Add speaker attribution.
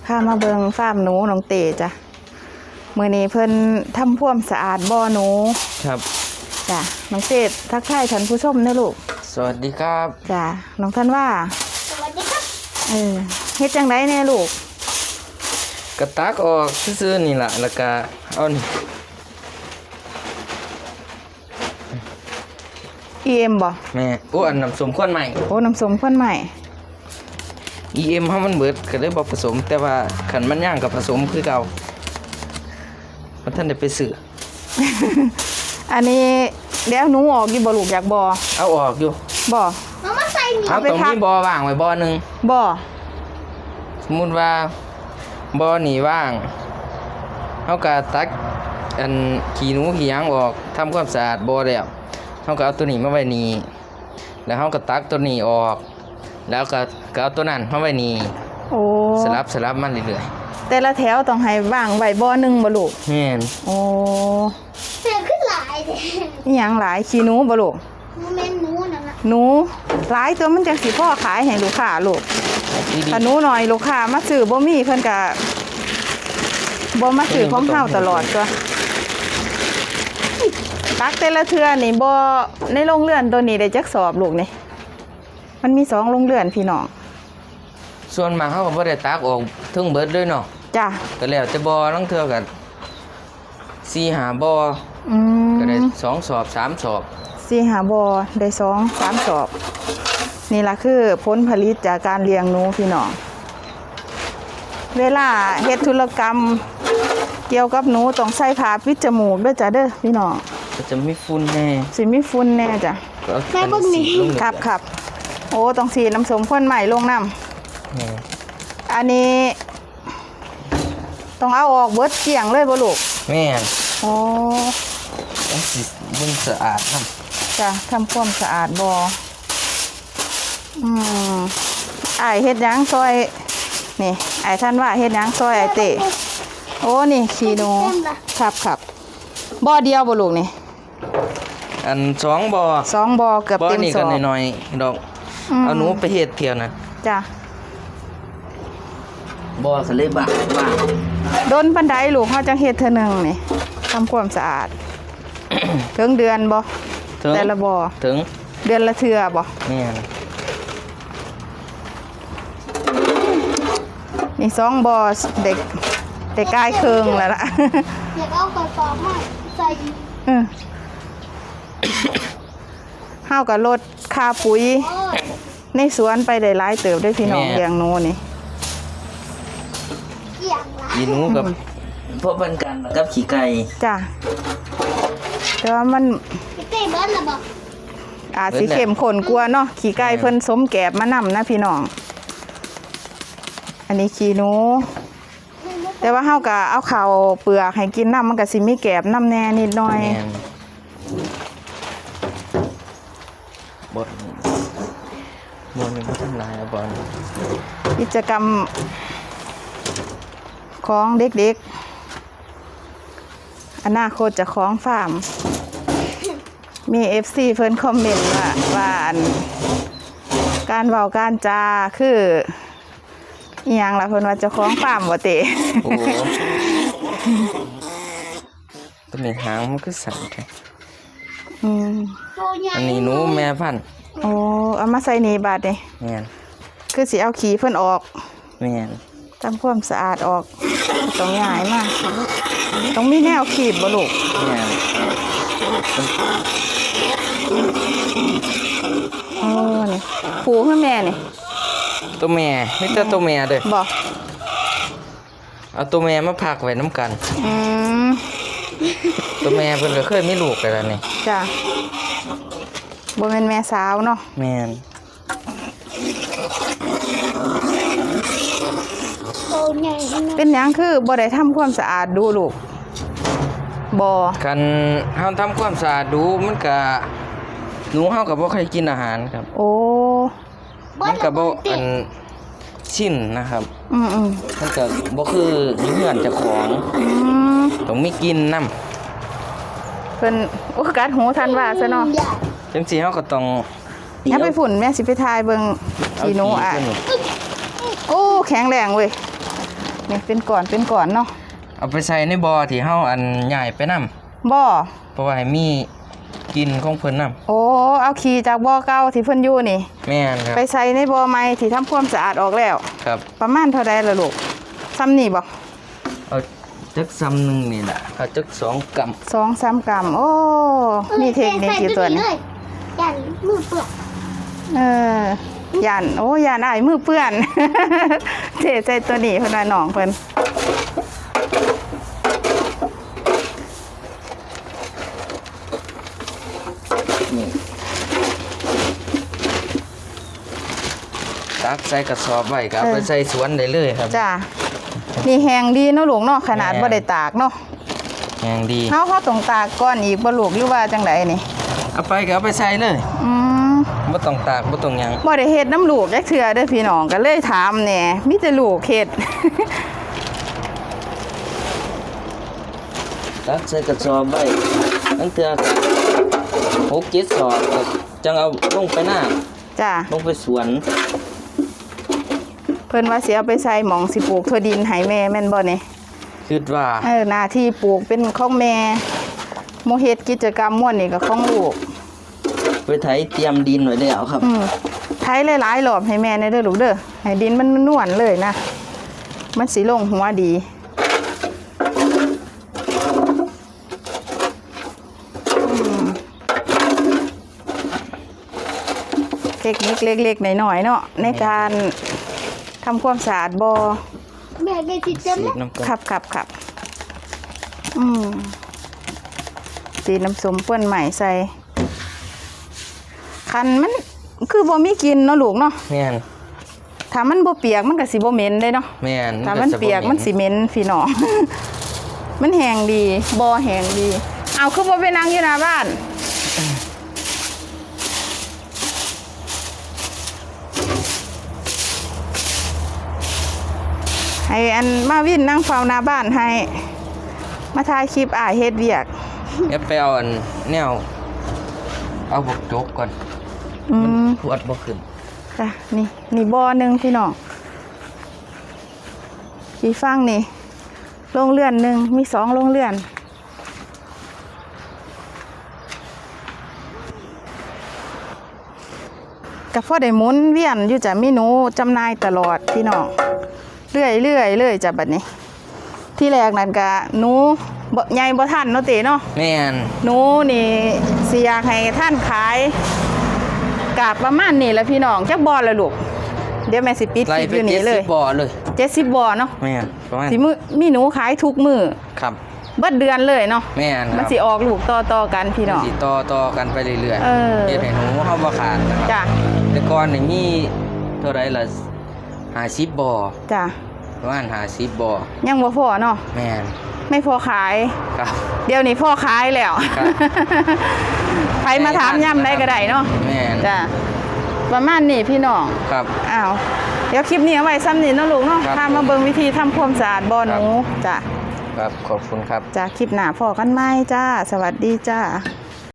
Speaker 1: ข้ามาเบิงฟาร์มหนูน้องเตจ้ะมื้อนี้เพิ่นทำความสะอาดบ่อหนู
Speaker 2: ครับ
Speaker 1: จ้ะน้องเตทักทายท่านผู้ชมนะลูก
Speaker 2: สวัสดีครับ
Speaker 1: จ้ะน้องท่านว่า
Speaker 3: สวัสดีครับ
Speaker 1: เฮ็ดจังไดแน่ลูก
Speaker 2: กระตักออกซื่อๆนี่ล่ะแล้วก็เอานี่
Speaker 1: EM บ่
Speaker 2: แม่อันน้ำส้มข้นใหม่
Speaker 1: น้ำส้มข้นใหม่
Speaker 2: EM เฮามันเบิดก็เลยบ่ผสมแต่ว่าคันมันย่างกับผสมคือเก่าบ่ทันได้ไปซื้อ
Speaker 1: อันนี้เดี๋ยวหนูออกอยู่บ่ลูกอยากบ่
Speaker 2: เอาออกอยู่
Speaker 1: บ่
Speaker 3: เอามาใส่นี่
Speaker 2: เอาตรงนี้บ่ว่างไว้บ่นึง
Speaker 1: บ่
Speaker 2: สมมุติว่าบ่อนี่ว่างเฮาก็ตักอันขี้หนูขี้หยังออกทำความสะอาดบ่อแล้วเฮาก็เอาตัวนี้มาไว้นี่แล้วเฮาก็ตักตัวนี้ออกแล้วก็เอาตัวนั้นมาไว้นี่
Speaker 1: โอ้
Speaker 2: สลับมันเรื่อย
Speaker 1: ๆแต่ละแถวต้องให้ว่างไว้บ่อนึงบ่ลูก
Speaker 2: แม่น
Speaker 1: โอ้
Speaker 3: เสือขึ้นหลายเด้
Speaker 1: อีหยังหลายขี้หนูบ่ลูก
Speaker 3: แม่นหนูนั่นน่ะ
Speaker 1: หนูหลายตัวมันจังสิพอขายให้ลูกค้าลูกถ้าหนูน้อยลูกค้ามาซื้อบ่มีเพิ่นก็บ่มาซื้อของเฮาตลอดตัวตักแต่ละเทื่อนี่บ่ในโรงเรือนตัวนี้ได้จักสอบลูกนี่มันมี2โรงเรือนพี่น้อง
Speaker 2: ส่วนมากเฮาก็บ่ได้ตักออกถึงเบิดเลยเนาะ
Speaker 1: จ้ะ
Speaker 2: ก็แล้วแต่บ่ลางเทื่อก็4-5บ่ก็ได้2สอบ3สอบ
Speaker 1: 4-5บ่อได้2-3สอบนี่ล่ะคือผลผลิตจากการเลี้ยงหนูพี่น้องเวลาเฮ็ดธุรกรรมเกี่ยวกับหนูต้องใส่ผ้าปิดจมูกด้วยจ้ะเด้อพี่น้อง
Speaker 2: ก็จะมีฝุ่นแน่
Speaker 1: สิมีฝุ่นแน่จ้ะ
Speaker 3: แม่เบิ่งนี่
Speaker 1: ครับโอ้ต้องสีน้ำส้มข้นใหม่ลงน้ำอันนี้ต้องเอาออกเบิดเกลี่ยงเลยบ่ลูก
Speaker 2: แม่น
Speaker 1: โอ้
Speaker 2: ต้องสิมึงสะอาดนำ
Speaker 1: จ้ะทำความสะอาดบ่อ้ายเฮ็ดหยังซอยนี่อ้ายท่านว่าเฮ็ดหยังซอยอ้ายเตะโอ้นี่ขี้หนูครับบ่อเดียวบ่ลูกนี่
Speaker 2: อัน2บ่อ
Speaker 1: 2บ่อเกือบเต็ม
Speaker 2: 2บ่อนี่ก็น้อยๆดอกเอาหนูไปเฮ็ดเที่ยวนะ
Speaker 1: จ้ะ
Speaker 2: บ่อก็เลยบ้า
Speaker 1: โดนปานใดลูกเฮาจังเฮ็ดเทื่อนึงนี่ทำความสะอาด ถึงเดือนบ่แต่ละบ่อ
Speaker 2: ถึง
Speaker 1: เดือนละเทื่อบ่
Speaker 2: แม่น
Speaker 1: นี่2บ่อเด็กกายเคืองแล้วล่ะ
Speaker 3: อยากเอากระสอบมาใส่
Speaker 1: เฮาก็ลดค่าปุ๋ยในสวนไปได้หลายเติบได้พี่น้องเลี้ยงหนูนี่
Speaker 2: ขี้หนูกับพวกมันกันกับขี้ไก่
Speaker 1: จ้ะแต่ว่ามัน
Speaker 3: เต้เบิ้ลล่ะบ่
Speaker 1: อาจสิเข้มข้นกว่าเนาะขี้ไก่เพิ่นสมแกบมานำนะพี่น้องอันนี้ขี้หนูแต่ว่าเฮาก็เอาข้าวเปลือกให้กินน้ำมันก็สิมีแกบน้ำแน่นิดหน่อย
Speaker 2: บ่นี่บ่ทำลายบ่
Speaker 1: กิจกรรมของเด็กๆอนาคตจะของฟาร์มมี FC เพิ่นคอมเมนต์ว่าการเว้าการจาคืออีหยังล่ะเพิ่นว่าเจ้าของฟาร์มบ่เตะ
Speaker 2: โอ้ตัวนี้หางมันคือสั่นแท้อันนี้หนูแม่พันธุ์
Speaker 1: โอ้เอามาใส่นี่บาดนี่
Speaker 2: แม่น
Speaker 1: คือสิเอาขี้เพิ่นออก
Speaker 2: แม่น
Speaker 1: ทำความสะอาดออกต้องง่ายมากต้องมีแนวขีบบ่ลูก
Speaker 2: แม่น
Speaker 1: โอ้นี่ผูคือแม่นี่
Speaker 2: ตัวแม่มีแต่ตัวแม่เด้อ
Speaker 1: บ่
Speaker 2: เอาตัวแม่มาพักไว้น้ำกันตัวแม่เพิ่นก็เคยมีลูกไปแล้วนี่
Speaker 1: จ้ะบ่แม่นแม่สาวเนาะ
Speaker 2: แม่น
Speaker 1: เป็นหยังคือบ่ได้ทำความสะอาดดูลูกบ่
Speaker 2: คันเฮาทำความสะอาดดูมันก็หนูเฮาก็บ่ค่อยกินอาหารครับ
Speaker 1: โอ้
Speaker 2: มันก็บ่ชิ้นนะครับมันก็บ่คืออยู่เฮือนเจ้าของต้องมีกินนำ
Speaker 1: เพิ่นโอ้กัดหูทันว่าซะเนาะ
Speaker 2: จังซี่เฮาก็ต้อง
Speaker 1: อย่าไปฝุ่นแม่สิไปทายเบิ่งขี้หนูอ่ะโอ้แข็งแรงเว้ยนี่เป็นก่อนเนาะ
Speaker 2: เอาไปใส่ในบ่อที่เฮาอันใหญ่ไปนํ
Speaker 1: บ่อ
Speaker 2: เพราะว่าให้มีกินของเพิ่นนํ
Speaker 1: โอ้เอาขี้จากบ่อเก่าที่เพิ่นอยู่นี่
Speaker 2: แม่นครับ
Speaker 1: ไปใส่ในบ่อใหม่ที่ทำความสะอาดออกแล้ว
Speaker 2: ครับ
Speaker 1: ประมาณเท่าใดล่ะลูกซ้ำนี่บ่
Speaker 2: เอาจักซ้ำหนึงนี่ล่ะเอาจัก2กำ
Speaker 1: 2-3 กรัมโอ้มีเทคนิคอยู่ตัวนี้
Speaker 3: ยันมือเปื้อน
Speaker 1: ย่านโอ้ย่านอ้ายมือเปื้อน เทใส่ตัวนี้เพิ่นว่าน้องเพิ่น
Speaker 2: นี่ตักใส่กระสอบไว้ก็เอาไปใส่สวนได้เลยครับ
Speaker 1: จ้านี่แห้งดีเนาะลูกเนาะขนาดบ่ได้ตากเนาะ
Speaker 2: แห้งดี
Speaker 1: เฮาต้องตากก่อนอีกบ่ลูกหรือว่าจังไดนี่
Speaker 2: เอาไปก็เอาไปใส่เลย
Speaker 1: อืม
Speaker 2: บ่ต้องตากบ่ต้องหยัง
Speaker 1: บ่ได้เฮ็ดน้ำลูกจักเทื่อเด้อพี่น้องก็เลยถามแหน่มีแต่ลูกเฮ็ด
Speaker 2: ตักใส่กระสอบไว้ตั้งเทื่อ6-7 สอบก็จังเอาลงไปหน้า
Speaker 1: จ้า
Speaker 2: ลงไปสวน
Speaker 1: เพิ่นว่าสิเอาไปใส่หม่องสิปลูกถั่วดินให้แม่แม่นบ่นี่
Speaker 2: คิดว่า
Speaker 1: หน้าที่ปลูกเป็นของแม่โมเฮ็ดกิจกรรมม่วนนี่ก็ของลูก
Speaker 2: ไปไถเตรียมดินไว้แล้วครับ
Speaker 1: ไถหลายๆรอบให้แม่ในเด้อลูกเด้อให้ดินมันนวลเลยนะมันสิลงหัวดีเทคนิคเล็กๆน้อยๆเนาะในการทำความสะอาดบ่อ
Speaker 3: แม่ได้ติดเต็ม
Speaker 2: สี
Speaker 3: แล้ว
Speaker 2: น้ำกัน
Speaker 1: ครับสีน้ำส้มเปื้อนใหม่ใส่คันมันคือบ่มีกลินเนาะลูกเนาะ
Speaker 2: แม่น
Speaker 1: ถ้ามันบ่เปียกมันก็สิบ่เหม็นเด้เนาะ
Speaker 2: แม่น
Speaker 1: ถ้ามันเปียกมันสิเหม็นพี่น้อง มันแห้งดีบ่อแห้งดี เอาคือบ่ไปนั่งอยู่หน้าบ้านให้อันมาวินนั่งเฝ้าหน้าบ้านให้มาถ่ายคลิปอ้ายเฮ็ดเวียก
Speaker 2: เดี๋ยวไปเอาอันแนวเอาบกจกก่อน ขวดบ่ขึ้น
Speaker 1: จ้ะนี่บ่อหนึงพี่น้องพี่ฟังนี่โรงเรือนหนึงมี2โรงเรือนก็พอได้หมุนเวียนอยู่จ้ะมีหนูจำหน่ายตลอดพี่น้องเรื่อยเลยจ้ะบัดนี้ ที่แรกนั่นก็หนูบ่ใหญ่บ่ทันเนาะเตเนาะ
Speaker 2: แม่น
Speaker 1: หนูนี่สิอยากให้ท่านขายกาบประมาณนี้แหละพี่น้องจักบ่ละลูกเดี๋ยวแม่สิปิด
Speaker 2: ไล่
Speaker 1: คลิป
Speaker 2: ไป
Speaker 1: อยู่นี่เลย
Speaker 2: 70บ่อเลย
Speaker 1: 70บ่อเนาะ
Speaker 2: แม่นประมาณ
Speaker 1: สิมีหนูขายทุกมื้อ
Speaker 2: ครับ
Speaker 1: เบิดเดือนเลยเนาะ
Speaker 2: แม่นค
Speaker 1: มัน
Speaker 2: รับ
Speaker 1: สิออกลูกต่อกันพี่น้อง
Speaker 2: สิต่อกันไปเรื่อย
Speaker 1: เออ
Speaker 2: เฮ็ดให้หนูเฮาบ่ขาดนะครับ
Speaker 1: จ้ะ
Speaker 2: แต่ก่อนนี่มีเท่าไรล่ะ50บ่อ
Speaker 1: จ้ะ
Speaker 2: ประมาณ50บ่อ
Speaker 1: ยังบ่พอเนาะ
Speaker 2: แม่น
Speaker 1: ไม่พอขาย
Speaker 2: ครับ
Speaker 1: เดี๋ยวนี้พ่อขายแล้ว
Speaker 2: ครับ
Speaker 1: ใครมาถามย่ำได้ก็ได้เนาะ
Speaker 2: แม่น
Speaker 1: จ้ะประมาณนี้พี่น้อง
Speaker 2: ครับ
Speaker 1: อ้าวเดี๋ยวคลิปนี้เอาไว้ซ้ำนี่เนาะลูกเนาะ
Speaker 2: ครับ
Speaker 1: พามาเบิ่งวิธีทำความสะอาดบ่อหนูจ้ะ
Speaker 2: ครับขอบคุณครับ
Speaker 1: จ้ะคลิปหน้าพอกันไหมจ้า สวัสดีจ้า